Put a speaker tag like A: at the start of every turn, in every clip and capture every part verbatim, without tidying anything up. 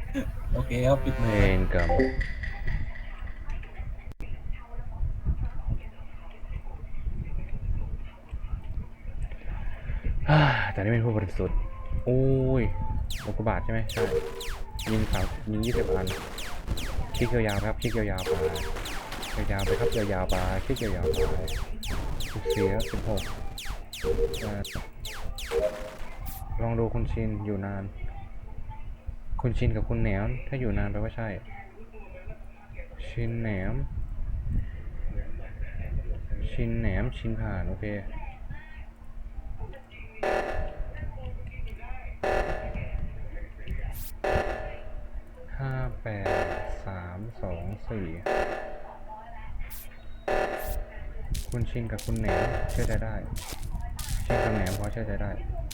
A: โอเคครับปิด
B: เว
A: ไมค์ครับ
B: รกรรมฮ่าแต่นี่เป็นผู้บริสุทธิ์โอ้ยอุกกาบาตใช่ไหมใช่ยิงสามยิงยี่สิบอันคลิกยาวๆครับคลิกยาวๆไปยาวๆไปครับยาวๆไปคลิกยาวๆไปสิบสี่ครับสิบหกลองดูคุณชินอยู่นานคุณชินกับคุณแหนมถ้าอยู่นานแปลว่าใช่ชินแหนมชินแหนมชินผ่านโอเคห้าแปดสามสองสี่คุณชินกับคุณแหนมเชื่อใจได้ชินกับแหนมพอเชื่อใจได้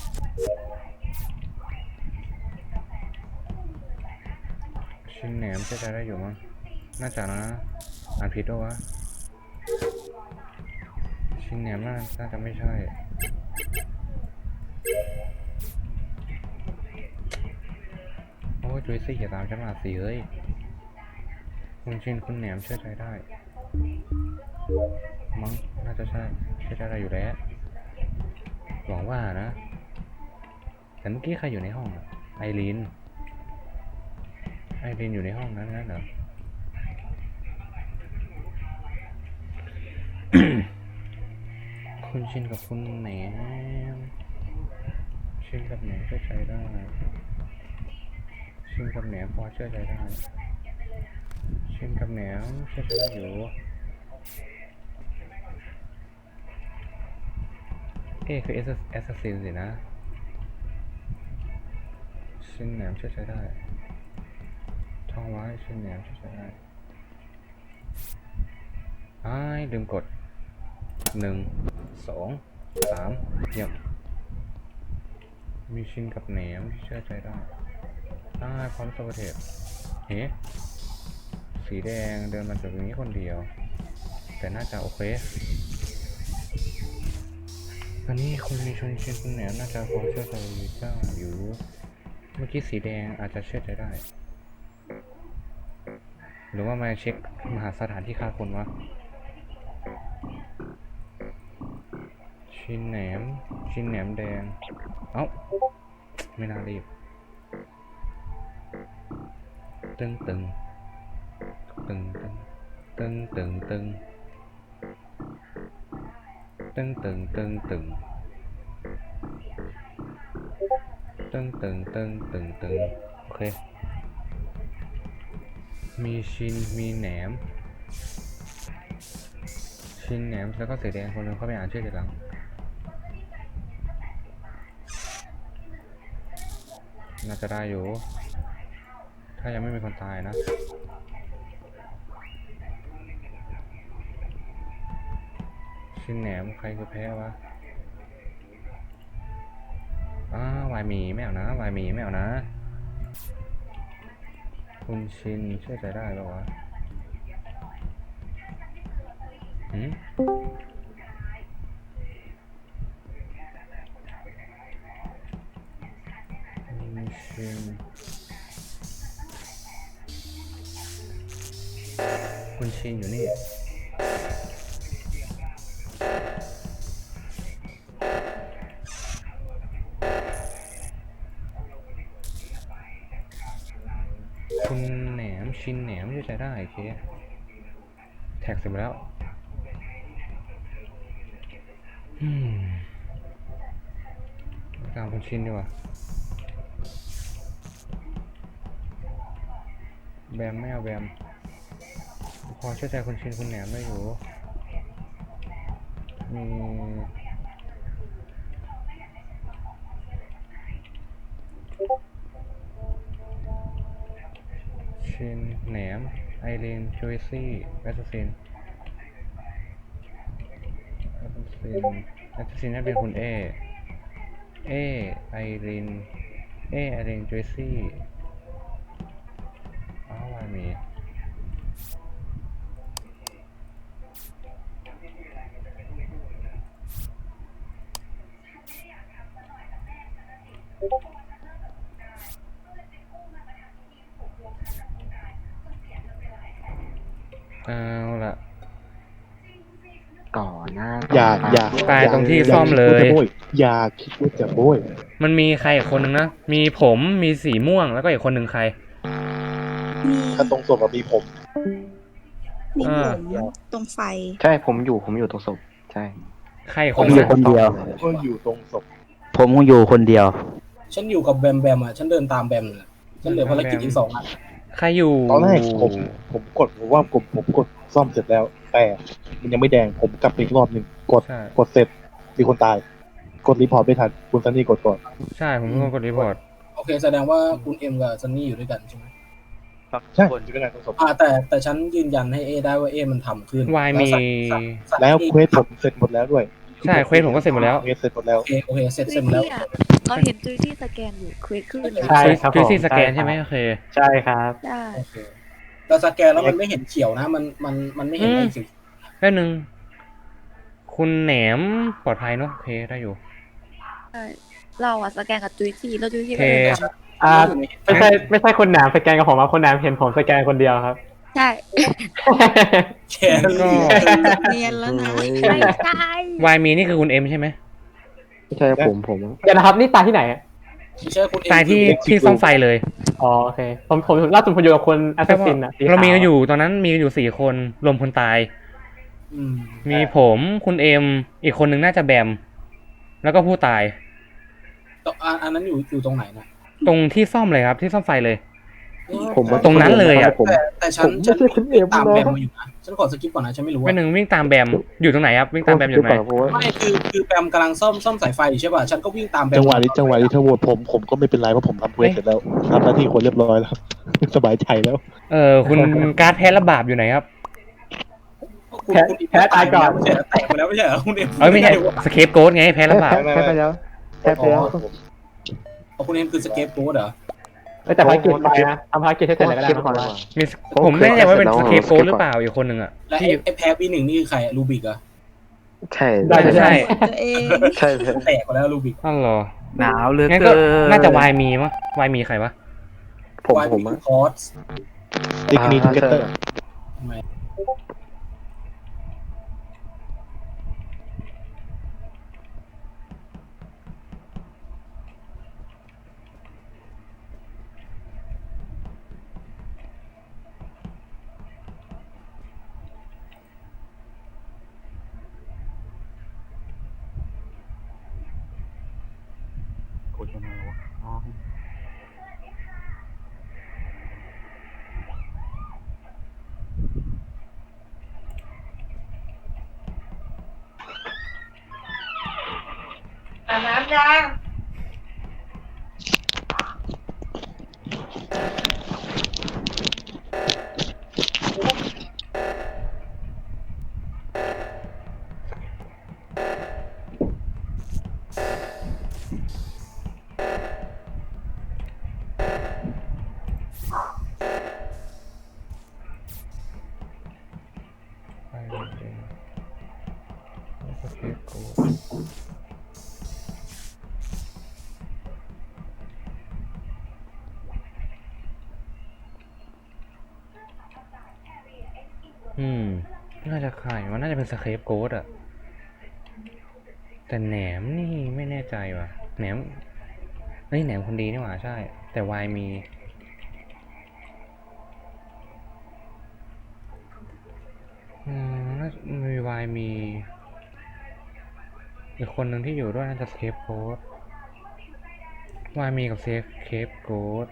B: ชินแหนมเชื่อใจได้อยู่มั้งน่าจะนะอ่านผิดด้วยวะชินแหนมน่าน่าจะไม่ใช่โอ้ยจุยซี่อย่าตามฉันมาสิเฮ้ยคุณชินคุณแหนมเชื่อใจได้มั้งน่าจะใช่เชื่อใจได้อยู่แล้วหวังว่านะแต่เมื่อกี้ใครอยู่ในห้องอะไอรีนไอรีนอยู่ในห้องนั้นงั้นเหรอ คุณชินกับคุณแหนมชินกับแหนมเชื่อใจได้ชินกับแหนมพอเชื่อใจได้ชินกับแหนมเชื่อใจได้อยู่เอ๊คือเอสแอสซัสซินสินะชินแหนมเชื่อใจได้ท่องไว้ชินแหนมเชื่อใจได้อ้ายลืมกดหนึ่งสองสามเยี่ยมมีชินกับแหนมที่เชื่อใจได้อ้ายพร้อมสวัสดีเฮ้สีแดงเดินมาจากตรงนี้คนเดียวแต่น่าจะโอเคตอนนี้คุณมีชนชินคุณแหนมน่าจะพอเชื่อใจได้อยู่เมื่อกี้สีแดงอาจจะเชื่อใจได้หรือว่ามาเช็คมหาสถานที่ฆ่าคนวะชินแหนมชินแหนมแดงเอ้าไม่น่ารีบตึงตึงตึงตึงตึงตึงตึงตึงตึงตึงตึงตึงตึงตึงตึงโอเคมีชินมีแหนมชินแหนมแล้วก็สีแดงคนนึงเขาไปอ่านชื่อทีหลังน่าจะได้อยู่ถ้ายังไม่มีคนตายนะชินแหนมใครคือแพ้วะอ้าวายมีไม่เอานะวายมีไม่เอานะคุณชินเชื่อใจได้ป่าวะหืมคุณชินคุณชินอยู่นี่คุณแหนมชินแหนมเชื่อใจได้โอเคแท็กเสร็จแล้วอืมตามคุณชินดีกว่าแบมไม่เอาแบมพอเชื่อใจคุณชินคุณแหนมได้อยู่มีชินแหนมไอรีนจูซี่แอสซัสซินแอสซัสซินแอสซัสซินน่าเป็นคุณเอเอไอรีนเอไอรีนจูซี่อ้าววายมีเอาละ
A: ก่อนหน้า
C: อย่าอย่า
B: ตายตรงที่
C: อย่า
B: ซ่อมเลย
C: คิดว่าจะโบยอย่าคิดว่าจะโบย
B: มันมีใครอีกคนนึงนะ มีผมมีสีม่วงแล้วก็อีกคนหนึ่งใคร
D: มี
C: ถ้าตรงศพอะมีผม
D: มี
B: อ่า
D: ผมตรงไฟ
A: ใช่ผมอยู่ผมอยู่ตรงศพใช่
B: ใครอีก
E: ผ
B: คน
E: ม
B: นึ
E: อง ยู่
B: นะ
E: คนเดียว
C: ก็อยู่ตรงศพ
E: ผมอยู่คนเดียว
F: ฉันอยู่กับแบมแบมอ่ะ ฉันเดินตามแบมเลยฉันเหลือภารกิจอีกสองอัน
B: ใครอยู่
C: ตอนแรกผมผมกดผมว่าผมผมกดซ่อมเสร็จแล้ว แต่มันยังไม่แดงผมกลับไปอีกรอบหนึ่งกด
B: ใช่
C: กดเสร็จมีคนตาย กดรีพอร์ตไม่ทันคุณซันนี่กดก่อน
B: ใช่ผมเป็นคนกดรีพอร์ต
F: โอเค แสดงว่าคุณเอ็มกับซันนี่อยู่ด้วยกันใช่ไหม
C: ใช่อยู่ด้วยกันตรงศพ
F: อ่าแต่แต่ฉันยืนยันให้เอได้ว่าเอมันทำขึ้น
B: วายมี
C: แล้วเควสผมเสร็จหมดแล้วด้วย
B: ใช่เควสผมก็เสร็จหมดแล้ว
C: เควสเสร็จหมดแล้ว
F: โอเคโอเคเสร็จ
D: จุ
F: เสร็
D: ย
F: จหมดแล้ว
D: ซี่อะเราเห็นจุยซี่สแกนอยู่เควสขึ้นเลย
E: ใช่ครับ
B: จุยซี่
E: ผม
B: สแกน
E: ใช่
B: ใช่ไหม
E: ครับ
B: โอเค
E: ใช่ครับ
D: ได้
F: โอเคแต่สแกนแล้วมันไม่เห็นเขียวนะ มันมันมันไม่เห็น
B: อืม
F: ไอ้สี
B: แป๊บนึง คุณแหนมปลอดภัยเนอะโอเคได้อยู่
D: ใช่เราอะสแกนกับจุยซี่แล้วจุยซี่
B: โอ
D: ก็
B: เค
D: เดินตาม
E: อ่าไม่ใช่ไม่ใช่คนหนามสแกนกับผมครับคนหนามเห็นผมสแกนคนเดียวครับ
D: ใช่
F: แค่
B: ก็
D: เนียนแล้วนะ
A: โอ้ย
D: ไม่ใช่
B: วายมีนี่คือคุณเอ็มใช่ไหม
A: ไม่ใช่ผมผม
E: เดี๋ยวนะครับนี่ตายที่ไหนอะ
F: ไม่ใช่คุณเอ็ม
B: ตายที่ที่ซ่อมไฟเลย
E: อ๋อโอเคผมผมล่าสุดผมอยู่กับคนแอสซัสซินอะสีขว
B: เรามีกันอยู่ตอนนั้นมีกันอยู่สี่คนรวมคนตาย
F: อืม
B: มีผมคุณเอ็มอีกคนหนึ่งน่าจะแบม แล้วก็ผู้ตาย
F: ตอ่าอันนั้นอยู่อยู่ตรงไหนนะ
B: ตรงที่ซ่อมเลยครับที่ซ่อมไฟเลย
A: ผมว่า
B: ตรงนั้นเลยอะ
A: ผม
F: แต่แต่ฉัน
A: ผมไม่
F: ฉัน
A: ใช่คุณเอ็ม
F: ตาม
A: นะ
F: แบมมาอยู่นะฉันขอสกิปก่อนนะฉันไม่รู้
B: ไม่
F: ว่า
B: หนึ่งวิ่งตามแบมอยู่ตรงไหนครับวิ่งตามแบมอยู่ไหน
A: เพราะว่า
F: ไม่คือคือแบมกำลังซ่อมซ่อมสายไฟอยู่ใช่ป่ะฉันก็วิ่งตามแบม
C: จังหวะนี้จังหวะนี้ถ้าโหวตผมผมก็ไม่เป็นไรเพราะผมทำเควสเสร็จแล้วทำหน้าที่คนเรียบร้อยแล้ว สบายใจแล้ว
B: เออคุณการ์ดแพ้ระบาบอยู่ไหนครับ
F: คุณ
E: แพ้
F: คุณ
E: แพ้ตายก่อน
F: ไม่ใช่เหรอแตกไปแล้วไม่ใช่เหรอคุณเอ็ม
B: เอ้ยไม่ใช่สเคปโกดไงแพ้ระบาบ
A: แพ้ไปแล้วแพ้ไปแล้ว
F: อ๋อคุณเอ็มคือสเกปโกดเหรอ
E: เอ้ยแต่ภารกิจไปนะทำภารกิจให้เสร็จเลยก็ได้
A: คิด
E: นะ
A: ก่อน
B: มีผมไม่แน่ใจว่าเป็นสเคปโกดหรือเปล่าอีกคนหนึ่งอ่ะ
F: และไอ้
B: ที่
F: ไอ้แพ้ปีหนึ่งนี่คือใครรูบิกเหรอะ
A: ใช่
E: ได้
B: ใช่
D: ตัวเอง
A: ใช่ใช่
F: แตกไปแล้วรูบิก
B: อ๋อเหรอ
E: หนาวเหลือ
B: งั้น
E: เกิ
B: ก็
E: น
B: น่าจะวายมีมั้งวายมีใครวะ
A: ผม
F: วาย
A: ผม
F: มี
A: อะ
F: คอร์ส
C: ติ๊กนีทิกเกเตอร์
F: ทำไม
C: กดยังไงวะอ๋อ
D: อาบน้ำยัง
B: ไปเลยสเคปโกดอืม น่าจะใครวะน่าจะเป็นสเคปโกดอะแต่แหนมนี่ไม่แน่ใจว่ะแหนมเฮ้ยแหนมคนดีนี่หว่าใช่ แต่วายมี อืมน่าจะมีวายมี อีกคนหนึ่งที่อยู่ด้วยน่าจะเซฟโค้ดวายมีกับเซฟเคปโค้ด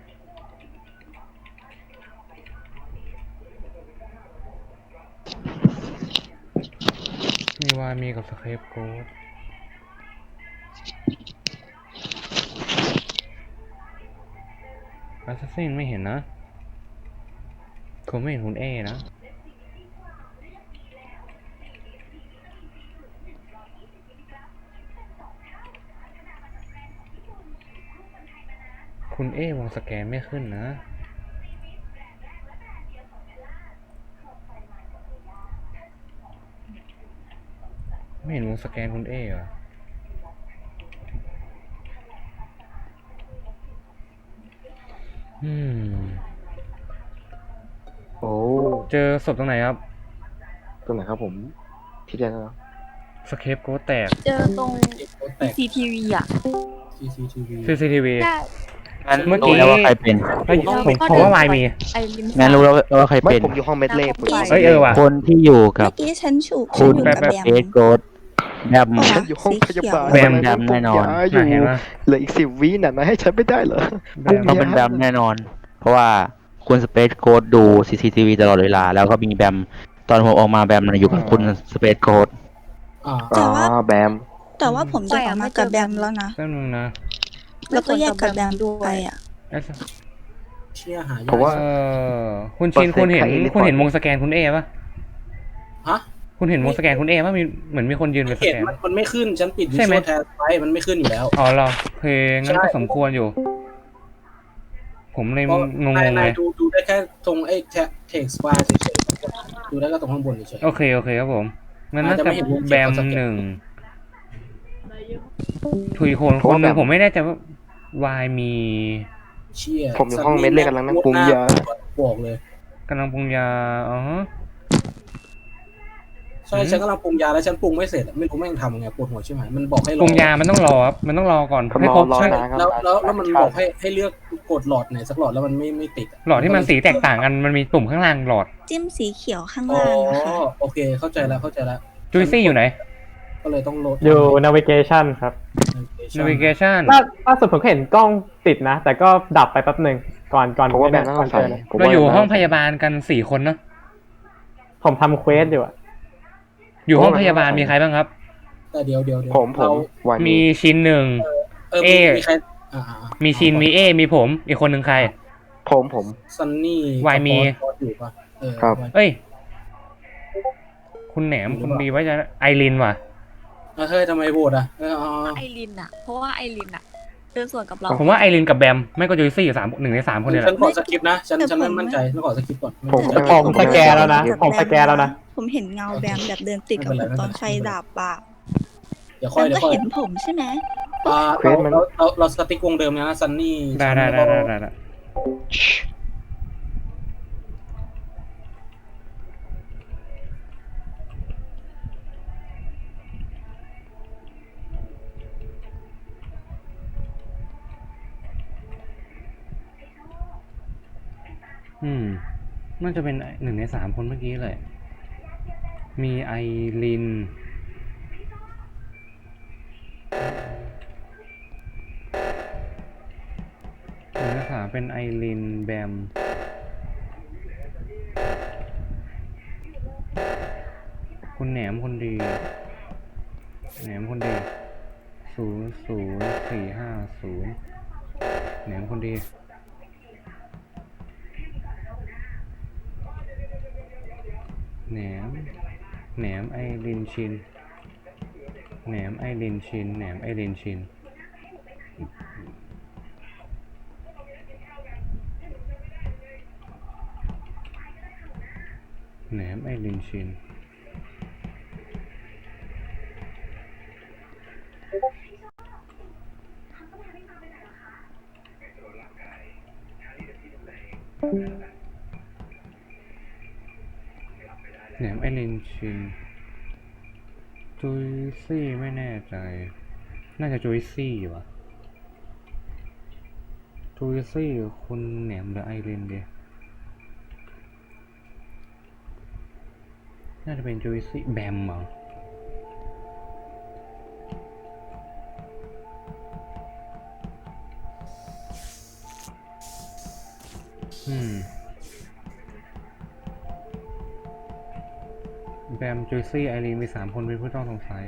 B: มีวายมีกับสเคปโค้ดแอสซัสซินไม่เห็นนะผมไม่เห็นคุณเอนะ คุณเอวงสแกนไม่ขึ้นนะ ไม่เห็นวงสแกนคุณเอเหรอ อืม
A: โอ้
B: เจอศพตรงไหนครับ
A: ตรงไหนครับผมที่เดียวนะ
B: สเคปโกแตก
D: เจอตรง
F: โค้ดแตก
D: ซี ที วี อ่ะ
F: ซีซีทีวี
B: ซีซีทีวี
D: ใช่
G: งั้น
B: เมื่อกี้
G: รู้แล้วว่าใครเป็น
B: เฮ้ยผมผมว่าวายมี
D: ไอริน
G: งั้นรู้แล้วว่าใคร
A: ไม่
G: เป็น
A: ผมอยู่ห้องเม็ดเล่ผม
B: เฮ้ยเออว่ะ
G: คนที่อยู่กับ
H: เมื่อกี้ฉันฉุก
G: คุณ
H: ฉันอยู่
G: แบ
H: กับบ แบม
G: เอสโกดแบม
H: เหร
A: ฉันอยู่ห้องพยาบาล
G: แบมแบมแน่นอน
A: อยู่
B: น่าเห็นว่า
A: เหลืออีกสิบวิน่ะนะให้ฉันไม่ได้เหรอ
B: แบม
G: ต้องเป็นแบมแน่นอน เพราะว่าคุณสเปซโกดดู ซี ซี ที วี ตลอดเวลา แล้วก็มีแบมตอนผมออกมาแบมน่ะอยู่กับคุณสเปซโกด
F: อ่า
A: อ๋อแบม
H: แต่ว่าผมจะออกมากับแบมแล้วนะ
B: แป๊บนึงนะ
H: แล้วก็แยกกับแบมด้วยอ่ะ
B: เอ๊ะ
F: เชี่ยหายาก
A: ผมว่า
B: เออคุณชินคุณเห็น
A: เปอร์เซ็นต์ใคร
B: คุณเห็นวงสแกนคุณเอปะ
F: ฮะ
B: คุณเห็นวงสแกนคุณเอปะมีเหมือนมีคนยืนเป็นส
F: เห็น
B: แกน
F: มันมันไม่ขึ้นฉันปิดวิ
B: ใช่
F: ช
B: ไหม
F: วลแทนไว้มันไม่ขึ้นอยู่แล้ว
B: อ๋อเหรอโอเคงั้น
F: ใช่
B: ก็สมควรอยู่ ผมเลย
F: เพราะ
B: งง
F: นาย
B: ๆ
F: นา
B: เลย ย
F: ดูดูได้แค่ตรงไอ้เทคสปาเฉยๆดูได้ก็ตรงข้างบนเฉย
B: โอเคโอเคครับผมงั้นน่า
F: อาจจะ
B: จะ
F: ไม่เห็นวงเขียว
B: แบม
F: ก็สแกน
B: หนึ่งถุยโคนคนหนึ่งผมไม่แน่ใจว่าวายมี
F: ๆเชี่ย
A: ผมอยู่ห้องเม็ดเล่กำลังนั่งปรุงยา
F: บอกเลย
B: กำลังปรุงยาอ๋อ
F: ใช่ฉันกำลังปรุงยาแล้วฉันปรุงไม่เสร็จอะไม่รู้แม่งทำยังไงปวดหัวใช่ไหมมันบอกให้รอ
B: ปรุงยามันต้องรอครับมันต้องรอก่อน
A: ผม
B: ให้
A: รอ
B: ครบ
A: รอ
B: ใช่
A: นานครับ
F: แล้วแล้วแล้วมันบอกให้ให้เลือกกดหลอดไหนสักหลอดแล้วมันไม่ไม่ติดะ
B: หลอดที่มันสีแตกต่างกันมันมีปุ่มข้างล่างหลอด
H: จิ้มสีเขียวข้าง
F: อ๋อ
H: ล่างนะคะ
F: โอเคเข้าใจแล้วเข้าใจแล้ว
B: จุยซี่อยู่ไหน
F: ก็เลยต้องโหลด
E: อยู่ navigation ครับ
B: navigation
E: ล่าล่าสุดผมก็เห็นกล้องติดนะ แต่ก็ดับไปแป๊บหนึ่งก่อนก่อน
A: ผมว่าแบมน่า
E: ก่
A: ส
E: อน
A: งสั
E: เจ
A: ย
E: อเลย
A: ผม
B: เรา
A: ว่
B: อยู่ห้อง
A: แบม
B: พยาบาลกันสี่คนเนาะ
E: ผมทำเควสอยู่อะ
B: อยู่ห้องพยาบาลมีใครบ้างครับ
F: แต่เดี๋ยวเดี๋ยวเดี๋ยว
A: ผมผม
F: เรา
A: วาย
B: มีชินหนึ่ง
F: เออ
B: เอ
F: มีมีใครอ่าอ่าอ่า
B: มีชินมีเอ มีผม อีกคนหนึ่งใคร
A: ผมผม
F: ซันนี่
B: วายมี
F: กับพอสอยู่ปะเออ
A: ครับ
F: วาย
B: เอ้ย คุณแหนมคุณดีไว้จะไอรินว่ะ
F: เออเฮ้ยทำไมโหวตอ่ะเออเอาเอา
D: ไอรินอ่ะ เพราะว่าไอรินอ่ะเดินสวนกับเรา
B: ผมว่าไอรินกับแบม ไม่ก็จุยซี่อยู่สามหนึ่งในสามคนเนี่ยแห
F: ฉัน
B: ละ
F: ขอสกิปนะฉันฉันไม่มั่นใจฉันขอสกิปก่อน
A: ผม
E: แต่ผมสแกนแล้วนะ ผมสแกนแล้วนะ
H: ผมเห็นเงาแบมแบบเดินติดกับผมตอนไฟดับอ่ะ
F: เดี๋ยว
H: แบ
F: ค่อย
H: ม
F: เดี๋ย
H: ก็
F: วค่อย
H: เห็นผมใช่ไหม
F: อ่า
A: เคว
F: เรา
A: สมัน
F: เราเราเราสติ๊กวงเดิมนะซันนี่
B: ได้ได้ได้ได้ได้ได้อืมน่าจะเป็นหนึ่งในสามคนเมื่อกี้เลย มีไอริน หนึ่งในสามเป็นไอรินแบม คุณแหนมคนดี แหนมคนดี ศูนย์ศูนย์สี่ห้าศูนย์แหนมคนดี แหนม แหนมไอรินชิน แหนมไอรินชิน แหนมไอรินชิน แหนมไอรินชิน แหนมไอรินชิน จุยซี่ไม่แน่ใจ น่าจะจุยซี่วะจุยซี่คุณแหนมหรือไอรินดีน่าจะเป็นจุยซี่แบมมั้งอืมแบมจุยซี่ไอรีนมีสามคนเป็นผู้ต้องสงสัย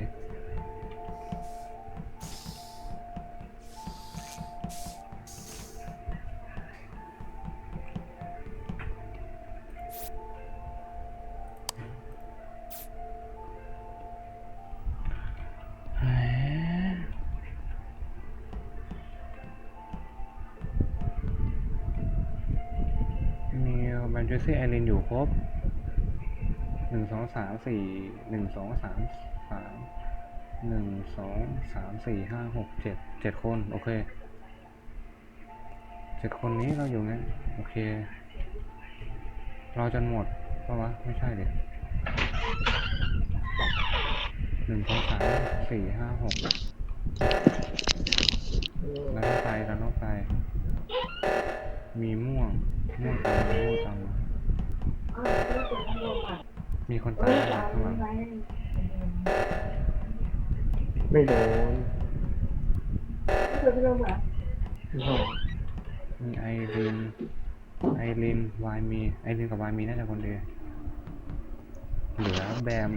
B: มีแบมจุยซี่ไอรีนอยู่ครบหนึ่งสองสามสี่หนึ่งสองสามสามหนึ่งสองสามสี่ห้าหกเจ็ดเจ็ดคนโอเคเจ็ดคนนี้เราอยู่งั้นโอเครอจนหมดเพราะวะไม่ใช่เลยหนึ่งสองสามสี่ห้าหกแล้วต้องไปแล้วต้องไปมีม่วงม่วงตามมาม่วงตามมามีคนตายข้างหลัง
A: ไม่โดน
B: มีไอรินไอรินวายมีไอรินกับวายมีน่าจะคนเดียวเหลือแบม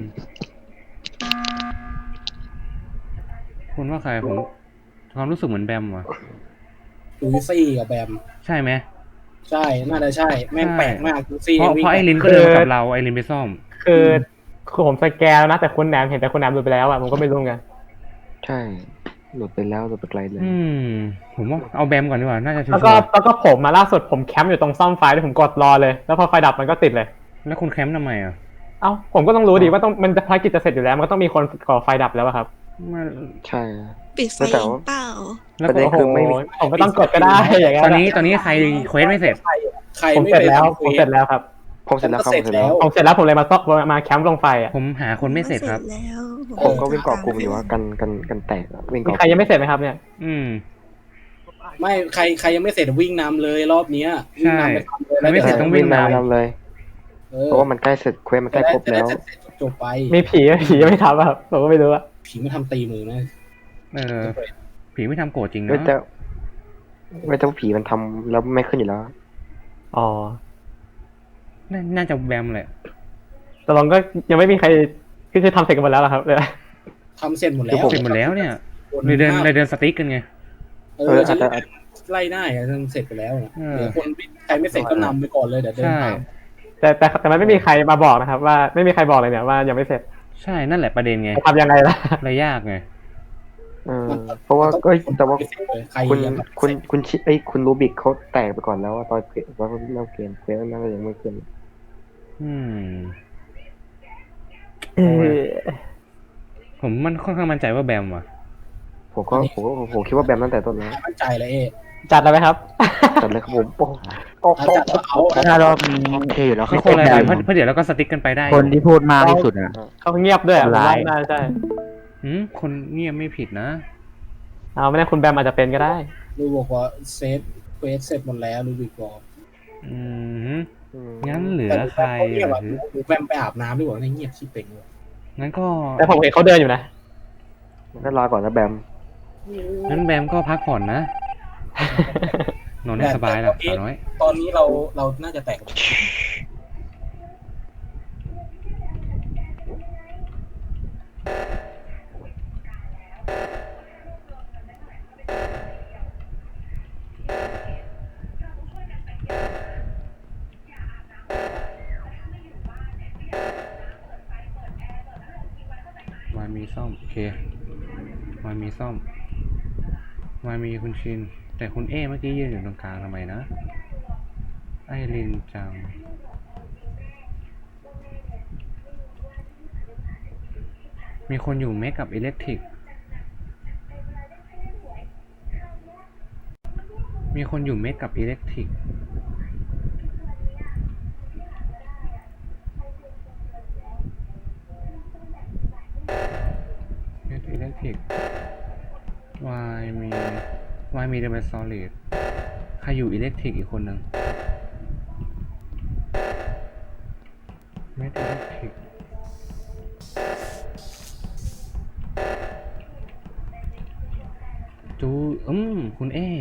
B: คุณว่าใครผมความรู้สึกเหมือนแบมวะ
F: จูซี่กับแบม
B: ใช่ไหม
F: ใช่น่าจะใช่แม่งแปลกมากจูซี่
B: เพราะ
F: วิ่ง
B: เพราะไอรินก็เดินมากับเราไอรินไปซ่อม
E: คือคือผมสแกนแล้วนะแต่คุณแหนมเห็นแต่คุณแหนมหลุดไปแล้วอ่ะผมก็ไม่รู้ไง
A: ใช่หลุดไปแล้วหลุดไปไกลเลย
B: อืมผมว่าเอาแบมก่อนดีกว่าน่าจะชัว
E: แล้วก็
B: ร์
E: แล้วก็ผมมาล่าสุดผมแคมป์อยู่ตรงซ่อมไฟแล้วผมกดรอเลยแล้วพอไฟดับมันก็ติดเลย
B: ๆแล้วคุณแคมป์ทำไมอ่ะ
E: เอ้าผมก็ต้องรู้ดิว่าต้องมันจะภารกิจจะเสร็จอยู่แล้วมันก็ต้องมีคนก่อไฟดับแล้วอะครับ
B: มัน
A: ใช่
H: ปิดไฟ
A: แต่
H: เอง
A: ว่า
H: เปล่า
B: แล้ว
A: ประเด็น
B: ก็
A: คือไม่มี
E: โอ้โหผมไม่ต้องกดก็ได้อย่างเงี้ย
B: ตอนนี้ตอนนี้ใครเควสไม่เสร็จ
F: ใคร
E: ผม
F: ไม่
E: เสร็จ
F: ไป
E: แล้ว
F: ทำ
E: ผมเสร็จแล้วครับ
A: ผมเสร็จแล้วครับผมเสร็จแล้ว
E: ผมเสร็จแล้วผมเลยมาซ่อมมาแคมป์ลงไฟอ่ะ
B: ผมหาคนไม่เสร็จครับ
H: เสร็จแล้ว
A: ผมก็วิ่งเกาะกลุ่มอยู่ว่ากันกันกันแตกอะวิ่ง
E: มี
A: เกาะ
E: ใครยังไม่เสร็จไหมครับเนี่ย
B: อืม
F: ไม่ใครใครยังไม่เสร็จวิ่งนำเลยรอบเนี้ยวิ่งนำไปทำเลย
B: ไม่เสร็จต้องวิ่งนำ
A: นำเลย
F: เออ
A: เพราะว่ามันใกล้เสร็จเควสมันใกล้ครบแล้ว
F: จะได้เสร็จจบไป
E: มีผีไหมผียังไม่ทำอะครับผมก็ไม่รู้อะ
F: ผีไม่ทำตีมือนะ
B: เออผีไม่ทำโกรธจริง
A: ไม่
B: เนาะ
A: แต่ไม่แต่ว่าผีมันทำแล้วไม่ขึ้นอยู่แล้ว
E: อ๋อ
B: น่าน่าจะแบมแหละ
E: แต่ลองก็ยังไม่มีใครคือคือทำเสร็จกันหมดแล้วเหรอครับเลย
F: ทำเสร็จหมดแล้ว
B: เสร็จหมดแล้วเนี่ยเลยเดินเลยเดินสติ๊กกันไง
F: เออจะไล่หน้าอ่ะเสร็จไปแล้วนะ
B: เออ
F: เดี๋ยวคนใครไม่เสร็จก็นำไปก่อนเลยเดี๋ยวเดิน
B: ใช่
F: ตาม
E: แต่แต่แต่มันไม่มีใครมาบอกนะครับ ว่าไม่มีใครบอกเลยเนี่ยว่ายังไม่เสร็จ
B: ใช่นั่นแหละประเด็นไง
E: จะทำยังไงล่ะ
B: เลยยากไง
A: เออเพราะว่าก็แต่ว่า
F: ไม่เสร็จเลยใคร
A: คุณ
F: ยัง
A: คุณคุณชิไอ้ยคุณรูบิกเขาแตกไปก่อนแล้วว่าตอนเกมว่าเล่าเกมเควสนั่นก็ยังไม่ขึ้น
B: อืม
E: เออ
B: ผมมันค่อนข้างมั่นใจว่าแบมว่ะ
A: ผมก็ผมก็ผมคิดว่าแบมตั้งแต่ต้นแล้ว
F: มั่นใจเลยเอ๊
E: จัดแล้วไหมครับ
A: จัดเลยครับผมโอ้โอ้
F: เอา
A: โอ้
F: จัดเอา
G: ถ้ารอบนี้
A: โอเคอยู่แล้วค
B: ไม่
A: รับ
B: คนอะไร
G: แบ
B: เลย
G: ม
B: เพราะเพราะเดี๋ยวเราก็สติ๊กกันไปได้
G: คนที่พูดมากที่สุดอ่ะ
E: เขาเงียบด้วยอะผม
G: ร้า
E: ว่าย น่าใช่
B: อืมคนเงียบไม่ผิดนะ
E: เอาไม่แน่คุณแบมอาจจะเป็นก็ได้
F: ลูบอกว่าเซตเควสเสร็จหมดแล้วลูบิกบอก
B: อืม
A: อืม
B: งั้นเหลือใคร
F: เงียบ
B: อ่ะ
F: อ่ะดูแวมไปอาบน้ำดีกว่าในเงียบชิบเป่งเลย
B: งั้นก็
E: แต่ผมเห็นเขาเดินอยู่นะ
A: ก็รอก่อนนะแบม
B: งั้นแบมก็พักผ่อนนะนอนให้สบายล่ะสาวน้อย
F: ตอนนี้เราเราน่าจะแตก
B: วายมีซ่อมโอเควายมีซ่อมวายมีคุณชิน แต่คุณเอเมื่อกี้ยืนอยู่ตรงกลางทำไมนะ ไอรินจัง มีคนอยู่เมคกับอิเล็กทริก มีคนอยู่เมคกับอิเล็กทริก เมคอิเล็กทริก วายมีวายมีเดเมซอลิดใครอยู่อิเล็กทริกอีกคนหนึ่งเมคอิเล็กทริก จูอืมคุณเอ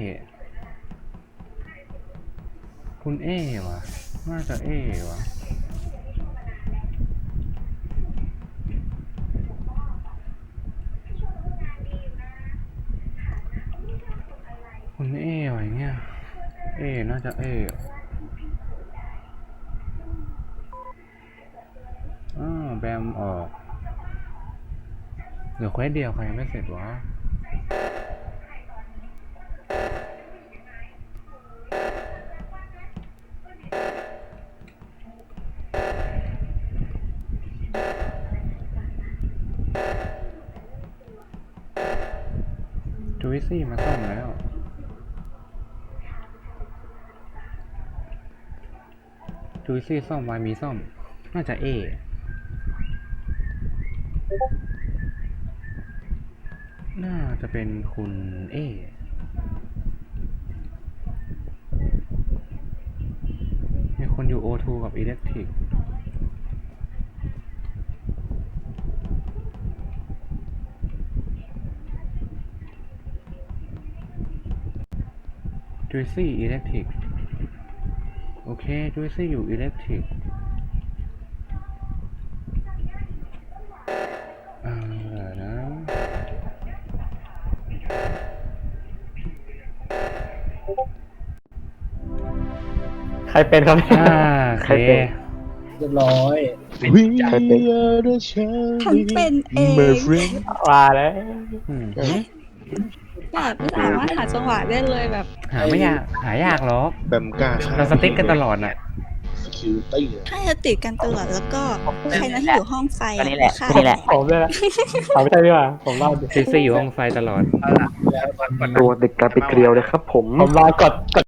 B: คุณเอวะน่าจะเอวะคุณเอวะอย่างเงี้ยเอน่าจะเออ้าวแบมออกเหลือเควสเดียวใครยังไม่เสร็จวะจูวิซี่มาซ่อมแล้วจูวิซี่ซ่อมวายมีซ่อมน่าจะเอน่าจะเป็นคุณเอมีคนอยู่ โอ ทู กับ Electric จุยซี่อิเล็กทริกโอเคจุยซี่อยู่อิเล็กทริกอ่านะ
E: ใครเป็นครับเนี่ย
B: อ่าโอเค
F: เรียบร้อย
C: We
A: ใครเป็น
C: are the
H: ฉันเป็นเอง
C: my friend
E: ว่าแล้ว
B: อืม
H: แบบไม่สามารถหาจังหวะได้เลยแบบ
B: หาไม่ยากหายากหรอก
C: แบมกล้าฆ่
B: เราสติ๊กกันตลอดน่ะ
C: security อะ
H: ถ้าจะติดกันตลอดแล้วก็ใครนะที่อยู่ห้องไฟ
G: ก็นี่แหละ
H: ฆ่า
G: ก็นี่แหละ
E: ผมด้วยนะผมไม่ใช่ดีกว่าผมรอด
B: จุยซี่อยู่ห้องไฟตลอด
A: ตัวเด็กกลายเป็นเกลียวเลยครับผม
E: ผมรอกดกด